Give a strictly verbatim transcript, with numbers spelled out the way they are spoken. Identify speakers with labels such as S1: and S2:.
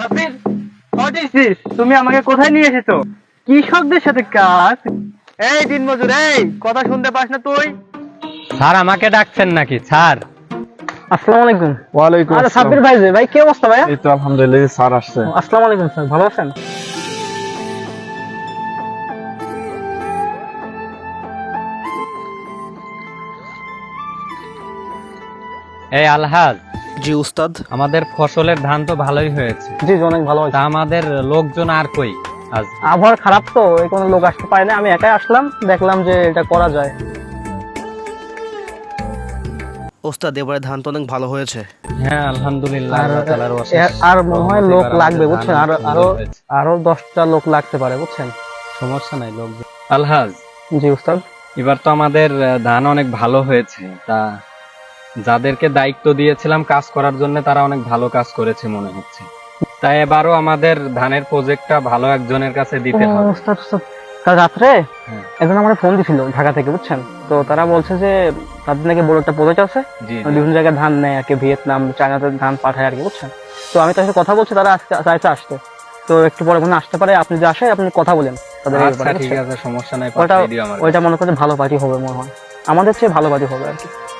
S1: Sabbir, what is this? তুমি আমাকে কোথায় নিয়ে এসেছো? কৃষকদের সাথে কাজ? এই দিনমজুর, এই কথা শুনতে পাস না তুই?
S2: স্যার আমাকে ডাকছেন নাকি স্যার?
S1: আসসালামু আলাইকুম।
S3: ওয়ালাইকুম
S1: আরে
S3: আসসালাম।
S1: সাব্বির ভাই যে, ভাই কি অবস্থা ভাইয়া?
S3: এই তো আলহামদুলিল্লাহ, এই স্যার আসছে।
S1: আসসালামু আলাইকুম স্যার, ভালো আছেন?
S2: এই আলহাজ,
S4: জি উস্তাদ।
S2: আমাদের ফসলের ধান তো ভালোই হয়েছে,
S1: জি জি, অনেক ভালো হয়েছে।
S2: তা আমাদের লোকজন আর কই আজ?
S1: আবহাওয়া খারাপ তো, এই কোনো লোক আসতে পারে না, আমি একাই আসলাম, দেখলাম যে এটা করা যায়।
S4: ওস্তাদ এবারে ধান তো অনেক ভালো হয়েছে।
S2: হ্যাঁ আলহামদুলিল্লাহ,
S1: আর
S2: আল্লাহ তাআলার অশেষ
S1: এর- আর মনে হয় লোক
S2: রহমতে
S1: লাগবে
S2: এবার
S1: বুঝছেন,
S2: আমাদের
S1: আরো
S2: ধান
S1: আরো
S2: সুন্দর হয়েছে।
S1: আরো দশটা লোক লাগতে পারে বুঝছেন।
S2: সমস্যা নাই লোক। আলহাজ,
S1: জি উস্তাদ।
S2: এবার তো আমাদের আহ, ধান অনেক ভালো হয়েছে, তা যাদেরকে দায়িত্ব দিয়েছিলাম কাজ করার জন্য তারা অনেক ভালো কাজ করেছে মনে হচ্ছে। তাই এবারও আমাদের ধানের প্রজেক্টটা ভালো একজনের কাছে দিতে
S1: ও,
S2: হবে।
S1: উস্তাদ, উস্তাদ, কাল রাত্রে
S2: হ্যাঁ।
S1: একজন আমার ফোন দিছিল ঢাকা থেকে বুঝছেন, তো তারা বলছে যে তাদের নাকি বড় একটা প্রজেক্ট আছে,
S2: জি জি।
S1: বিভিন্ন জায়গায় ধান নেয় আর কি, ভিয়েতনাম চায়নাতে ধান পাঠায় আর কি বুঝছেন। তো আমি তার সাথে কথা বলছি, তারা আজকে চাইছে আসতে, তো একটু পরে মনে হয় আসতে পারে, আপনি যে আসে আপনি কথা বলেন তাদের এই
S2: আচ্ছা
S1: ব্যাপারে,
S2: ঠিক
S1: বুঝছেন?
S2: আছে, সমস্যা নাই,
S1: ওটা
S2: পাঠিয়ে দিও আমার
S1: ওইটা মনে করতে ভালো পার্টি হবে মনে হয়, আমাদের চেয়ে ভালো পার্টি হবে আর কি।